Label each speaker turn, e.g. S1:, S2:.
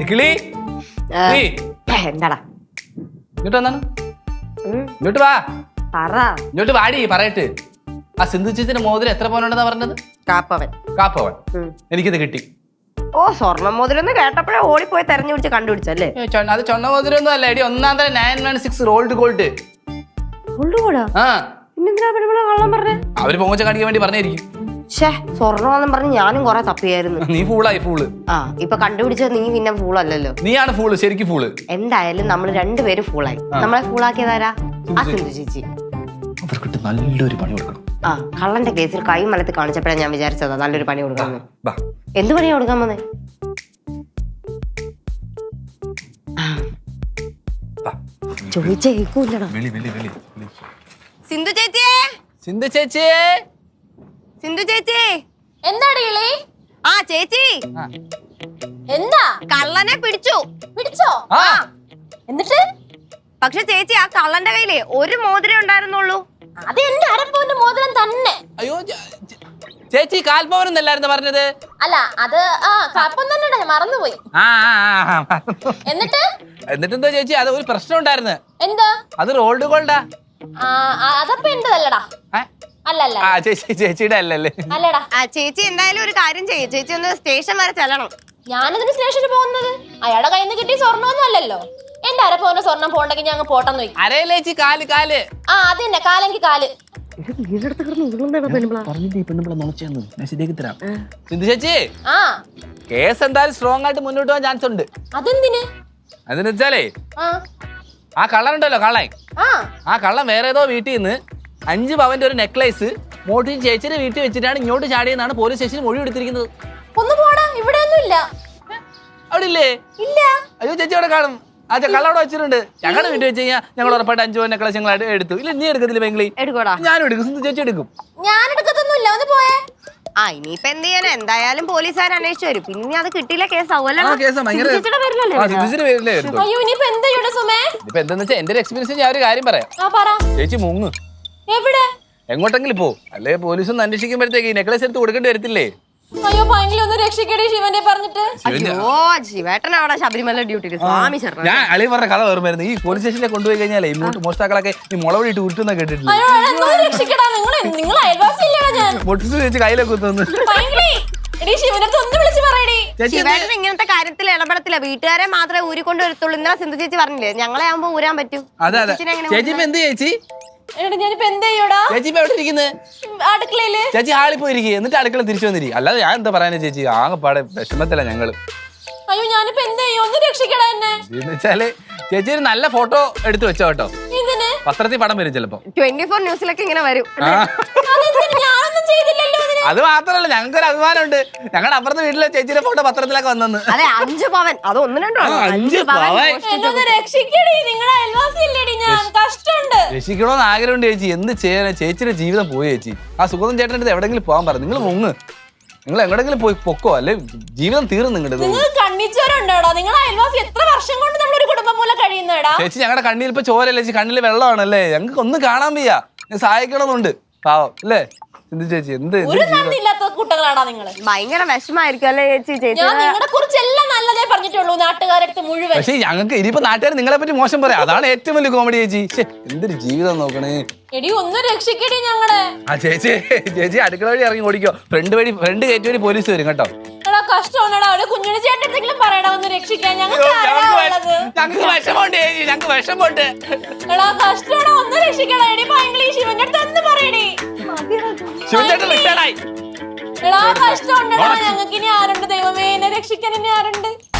S1: എന്താടാ
S2: ഇങ്ങോട്ട് വന്നാണ് ഇങ്ങോട്ട് വാ ഇങ്ങോട്ട് വാടി പറയട്ട് ആ സിന്ധു ചേച്ചിന്റെ മോതിരം എത്ര പവനുണ്ടെന്നാ പറഞ്ഞത്? കാപ്പവൻ. എനിക്കിത് കിട്ടി.
S1: ഓ സ്വർണ്ണം മോതിരം കേട്ടപ്പോഴേ ഓടിപ്പോയി തെരഞ്ഞു പിടിച്ച് കണ്ടുപിടിച്ചല്ലേ?
S2: അത് ചൊണ്ണ മോതിരം ഒന്നും അല്ല എടി, ഒന്നാം തരം 916 റോൾഡ് ഗോൾഡ്. അവര് പൊങ്ങച്ച കാണിക്കാൻ വേണ്ടി പറഞ്ഞായിരിക്കും.
S1: സ്വർണ്ണമെന്നും പറഞ്ഞ് ഞാനും കൊറേ തപ്പിയായിരുന്നു.
S2: നീ ഫൂളായി. ഫൂള്
S1: ഇപ്പൊ കണ്ടുപിടിച്ചത് നീ പിന്നെ ഫൂളല്ലല്ലോ.
S2: നീയാണ് ഫൂള്, ശരിക്കും ഫൂള്.
S1: എന്തായാലും നമ്മൾ രണ്ടുപേരും ഫൂളായി. നമ്മളെ ഫൂളാക്കിയതാരാ? ആ സിന്ധു ചേച്ചി.
S2: അവർക്കിട്ട് നല്ലൊരു പണി കൊടുക്കണം.
S1: കള്ളന്റെ കേസിൽ കൈ മലത്ത് കാണിച്ചപ്പോഴാണ് ഞാൻ വിചാരിച്ചതാ നല്ലൊരു പണി കൊടുക്കാന്ന്. എന്ത് പണിയാ കൊടുക്കാൻ വന്നേ? ചോദിച്ചേക്കൂല്ലടാ. സിന്ധു ചേച്ചിയെ,
S2: സിന്ധു ചേച്ചിയെ,
S1: സിന്ധു ചേച്ചി.
S3: എന്താടി?
S1: ആ ചേച്ചി,
S3: എന്താ?
S1: കള്ളനെ പിടിച്ചോ?
S3: എന്നിട്ട്?
S1: പക്ഷെ ചേച്ചി ആ കള്ളന്റെ കയ്യിലേ ഒരു മോതിരം ഉണ്ടായിരുന്നുള്ളൂ.
S3: അത് എന്റെ അരപ്പവന്റെ മോതിരം തന്നെ.
S2: അയ്യോ ചേച്ചി, കാൽപ്പവനെന്നല്ലായിരുന്നു പറഞ്ഞത്?
S3: അല്ല, അത് കാൽപ്പവൻ തന്നെ, ഞാൻ മറന്നുപോയി.
S2: എന്നിട്ടെന്താ ചേച്ചി, അത് ഒരു പ്രശ്നം ഉണ്ടായിരുന്നു.
S3: എന്താ?
S2: അത് റോൾഡ് ഗോൾഡാ.
S3: അതപ്പോ എന്റേതല്ലടാ. അല്ലല്ല,
S2: ചേച്ചിയുടെ അല്ലല്ലേ?
S3: അല്ലടാ.
S1: ചേച്ചി എന്തായാലും ഒരു കാര്യം ചെയ്യും, ചേച്ചി ഒന്ന് സ്റ്റേഷൻ വരെ ചെല്ലണം.
S3: ഞാനെന്തിനു സ്റ്റേഷനിൽ പോകുന്നത്? അയാളുടെ കയ്യിൽ നിന്ന് കിട്ടിയ സ്വർണ്ണമൊന്നും അല്ലല്ലോ. എന്റെ അരപ്പവന്റെ സ്വർണം പോണ്ടെങ്കിൽ ഞങ്ങൾ പോട്ടെന്ന് വെക്കും.
S2: അരയിലേച്ചി കാല് കാല്.
S3: അത് തന്നെ, കാലെങ്കിൽ കാല്.
S2: സിന്ധു ചേച്ചി, കേസ് എന്തായാലും സ്ട്രോങ് ആയിട്ട് മുന്നോട്ട് പോകാൻ ചാൻസ് ഉണ്ട്.
S3: അതെന്തിന്?
S2: അതെന്ന് വെച്ചാലേ ആ കള്ളനുണ്ടല്ലോ, കള്ളൻ. ആ കള്ളൻ വേറെ ഏതോ വീട്ടിൽ നിന്ന് 5 പവന്റെ ഒരു നെക്ലേസ് മോട്ടി ചേച്ചിയുടെ വീട്ടിൽ വെച്ചിട്ടാണ് ഇങ്ങോട്ട് ചാടിയെന്നാണ് പോലീസ് സ്റ്റേഷനിൽ മൊഴി എടുത്തിരിക്കുന്നത്.
S3: ഒന്ന് പോടാ, ഇവിടെ ഒന്നും ഇല്ല.
S2: അവിടെ ഇല്ലേ?
S3: ഇല്ല.
S2: അയ്യോ ചേച്ചി അവിടെ കാണും. ആ കള്ള അവിടെ വെച്ചിട്ടുണ്ട്. ഞങ്ങളുടെ വീട്ടിൽ വെച്ച് കഴിഞ്ഞാൽ ഞങ്ങൾ ഉറപ്പായിട്ട് 5 പവൻ നെക്ലേസ് ഞങ്ങൾ എടുത്തു. ഇല്ല, നീ എടുക്കത്തില്ല ബംഗ്ലി? ഞാനും എടുക്കും. സിന്ധു ചേച്ചി എടുക്കും.
S3: ഞാൻ എടുക്കത്തൊന്നുമില്ല. ഒന്ന് പോയേ.
S1: ഇനിയിപ്പോ എന്ത് ചെയ്യാനാ? എന്തായാലും പോലീസുകാർ അന്വേഷിച്ചു വരും. പിന്നെ അത് കിട്ടിയില്ല കേസാവുമല്ലോ.
S2: എന്താന്ന് വെച്ചാൽ എന്റെ ഒരു എക്സ്പീരിയൻസ് ഞാൻ ഒരു കാര്യം പറയാം. ചേച്ചി മുങ്ങ്.
S3: എവിടെ?
S2: എങ്ങോട്ടെങ്കിലും പോ, അല്ലെ പോലീസ് ഒന്ന് അന്വേഷിക്കുമ്പോഴത്തേക്ക് ഈ നെക്ലേസ് എടുത്ത് കൊടുക്കേണ്ടി വരത്തില്ലേ?
S3: അയ്യോ ഭയങ്കര ഒന്ന് രക്ഷിക്കടേ ശിവനെ പറഞ്ഞിട്ട്.
S1: അയ്യോ ശിവേട്ടൻ അവിടെ ശബരിമല ഡ്യൂട്ടിയിൽ. സ്വാമി ശരണം.
S2: ഞാൻ അളി പറഞ്ഞ കഥ ഓർമ്മയായിരുന്നു. ഈ പോലീസ് സ്റ്റേഷനിൽ കൊണ്ടുപോയി കഴിഞ്ഞാലേ ഇങ്ങോട്ട് മോഷ്ടാക്കളൊക്കെ ഈ മുളവടിയിട്ട് ഉരുട്ടുന്ന കേട്ടിട്ടില്ല. കയ്യിലൊക്കെ കുത്തുന്നു.
S1: ശിവേട്ടൻ ഇങ്ങനത്തെ കാര്യത്തിൽ ഇടപെടത്തില്ല. വീട്ടുകാരെ മാത്രമേ ഊരിക്കൊണ്ട് വരത്തുള്ളൂ. ഇന്നലെ സിന്ധു ചേച്ചി പറഞ്ഞില്ലേ ഞങ്ങളെ ആവുമ്പോ ഊരാൻ പറ്റൂ.
S2: അതെ അതെ. ചേച്ചി എന്ത് ചേച്ചി? ചേച്ചി ഹാളിൽ പോയിരിക്കും, എന്നിട്ട് അടുക്കള തിരിച്ചു വന്നിരിക്കും. അല്ലാതെ ഞാൻ എന്താ പറയാനാ ചേച്ചി, ആകെപ്പാടെ വിഷമത്തില്ല ഞങ്ങള്.
S3: അയ്യോ ഞാനിപ്പോ എന്ത് ചെയ്യും? ഒന്ന് രക്ഷിക്കടാ എന്നെ.
S2: എന്ന് വെച്ചാല് ചേച്ചി ഒരു നല്ല ഫോട്ടോ എടുത്ത് വെച്ചോ കേട്ടോ. പത്രത്തിൽ പടം വരും ചിലപ്പോ.
S1: 24 ന്യൂസിലൊക്കെ ഇങ്ങനെ വരും.
S2: അത് മാത്രല്ല, ഞങ്ങൾക്കൊരു അഭിമാനമുണ്ട്. ഞങ്ങളുടെ അപ്പുറത്തെ വീട്ടിലെ ചേച്ചിയുടെ ഫോട്ടോ പത്രത്തിലൊക്കെ വന്നെന്ന്.
S1: അതെ 5 പവൻ. അത് 1-2
S2: രക്ഷിക്കണോന്ന് ആഗ്രഹമുണ്ട് ചേച്ചി. എന്ത് ചെയ്യാനാ? ചേച്ചിയുടെ ജീവിതം പോയി ചേച്ചി. ആ സുഗതൻ ചേട്ടൻ്റെ അടുത്ത് എവിടെങ്കിലും പോകാൻ പറഞ്ഞു. നിങ്ങൾ മുങ്ങ്, നിങ്ങൾ എങ്ങോട്ടെങ്കിലും പോയി പൊക്കോ, അല്ലെ ജീവിതം തീർന്നു നിങ്ങളുടെ. ചേച്ചി ഞങ്ങളുടെ കണ്ണിൽ ഇപ്പൊ ചോരല്ലേ ചേച്ചി, കണ്ണിൽ വെള്ളമാണല്ലേ. ഞങ്ങൾക്ക് ഒന്നും കാണാൻ വയ്യ. സഹായിക്കണമെന്നുണ്ട് പാവം അല്ലേ സിന്ധു ചേച്ചി. എന്ത്
S3: കുട്ടകളാടാ നിങ്ങള്.
S1: ഭയങ്കര വിഷമായിരിക്കും അല്ലേ ചേച്ചി? ചേച്ചി
S3: നിങ്ങളെ കുറിച്ച് എല്ലാം നല്ലതേ പറഞ്ഞിട്ടുള്ളൂ നാട്ടുകാരടുത്ത് മുഴുവൻ.
S2: പക്ഷേ ഞങ്ങൾക്ക് ഇനിയിപ്പോ നാട്ടുകാർ നിങ്ങളെ പറ്റി മോശം പറയാം. അതാണ് ഏറ്റവും വലിയ കോമഡി ചേച്ചി. എന്തൊരു ജീവിതം നോക്കണേ.
S3: എടി ഒന്ന് രക്ഷിക്കടി ഞങ്ങളെ.
S2: ആ ചേച്ചി ചേച്ചി അടുക്കള വഴി ഇറങ്ങി ഓടിക്കോ. ഫ്രണ്ട് ഗേറ്റ് വഴി പോലീസ് വരും കേട്ടോ.
S3: കഷ്ടമാണടാ. ഒരു കുഞ്ഞിന് ചേട്ടൻ പറയടാ ഒന്ന് രക്ഷിക്കാൻ. ഞങ്ങൾക്ക്
S2: വിഷമമുണ്ട് ചേച്ചി, ഞങ്ങൾക്ക് വിഷമമുണ്ട്.
S3: കഷ്ടമാണോ? ഒന്ന് രക്ഷിക്കടാ. എടി ഭയങ്കര ശിവന്റെ അടുത്ത് ഒന്ന് പറയടി.
S2: ശിവചേട്ടൻ റിട്ടയർഡായി.
S3: കഷ്ടമുണ്ടോ ഞങ്ങൾക്ക്? ഇനി ആരുണ്ട് ദൈവമേ? എന്നെ രക്ഷിക്കാൻ ഇനി ആരുണ്ട്?